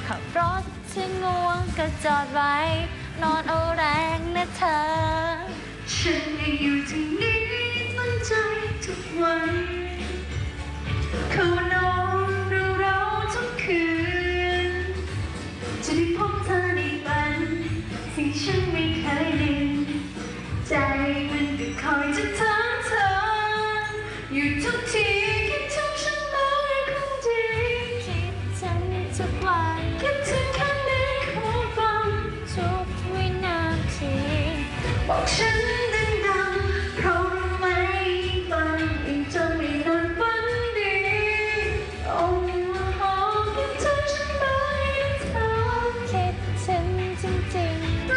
ขับรถที่ง่วงก็จอดไว้นอนเอาแรงนะเธอฉันยังอยู่ที่นี่ตั้งใจทุกวันเขานอนดูเราทุกคืนจะได้พบเธอในฝันสิ่งฉันไม่เคยลืมใจมันก็คอยจะถามเธออยู่ทุกทีคิดถึงฉันไหมคงดีคิดถึงทุกวันคิดถึงแค่ไหนขอฟังทุกวินาทีบอกฉันดังๆเพราะรู้ไหมฟังยิ่งจะไม่นอนฝันดีโอ้โหคิดถึงฉันไหมเธอคิดถึงจริงๆ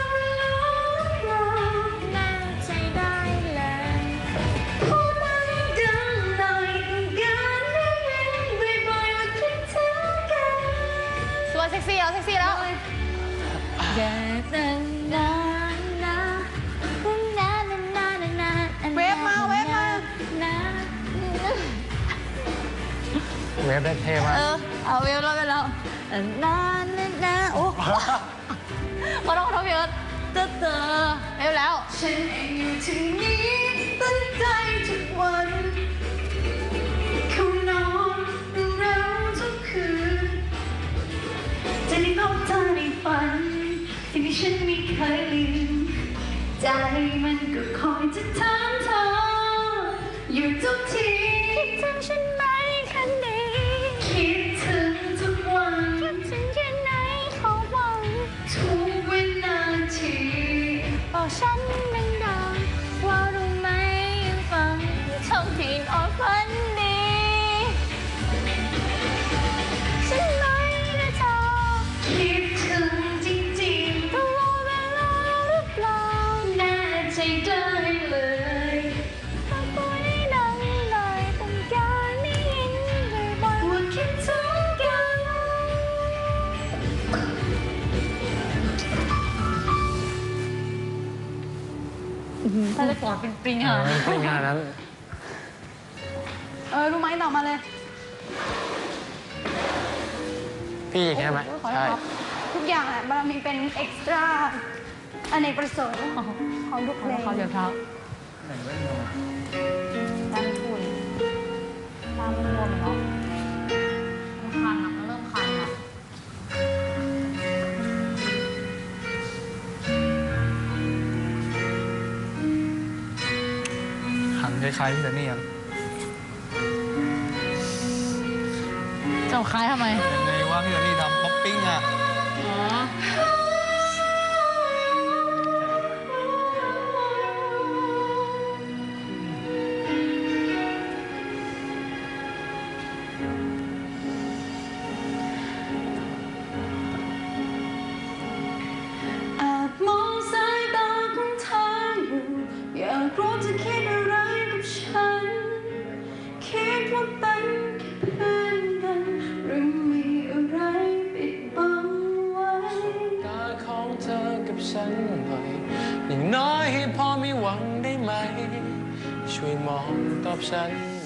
น่าใจได้เลยพูดมาดังหน่อยกันได้ยินบ่อยๆว่าคิดถึงกันสวยเซ็กซี่แล้วเซ็กซี่แล้วอย่าตั้งนานนะเวฟมาเวฟมาเวฟได้เท่มากเอาเวฟแล้วไปแล้วนานโอ้ขอโทษพี่เอิร์ธเวฟแล้วฉันเองอยู่ที่นี่ตั้งใจทุกวันเขานอนดูเราทุกคืนจะได้พบเธอในฝันสิ่งที่ฉันไม่เคยลืมใจมันก็คอยจะถามเธออยู่ทุกทีคิดถึงฉันไหมแค่นี้คิดถึงทุกวันคิดถึงแค่ไหนขอหวังทุกวินาทีบอกฉันดังๆว่ารู้ไหมยังฟังชมที่นอนฝันดีฉันไหมนะเธอคิดถึงจริงๆตลอดเวลาหรือเปล่าแน่ใจได้เลยถ้าตัวได้ดังหน่อยต้องการได้ยินบ่อยๆว่าคิดถึงกันถ้าจะกอดเป็นปริงค่ะปริงขนาดนั้นรู้ไหมต่อมาเลยพี่ใช่ไหมใช่ทุกอย่างมันมีเป็นเอ็กซ์ตร้าอเนกประสงค์ของทุกเพลงเขาเดี๋ยวเท้าด้านทุนตามมันรวมเนาะคันมันเริ่มคันอ่ะหันคล้ายๆพี่แต่นี่ยังเจ้าคล้ายทำไมยังไงว่าพี่แต่นี่ทำป๊อปปิ้งอ่ะมองสายตาของเธออยู่อยากรู้จะคิดอะไรกับฉันคิดว่าเป็นแค่เพื่อนกันหรือมีอะไรปิดบังไว้ตาของเธอกับฉันหน่อยอย่างน้อยให้พอมีหวังได้ไหมช่วยมองตอบฉัน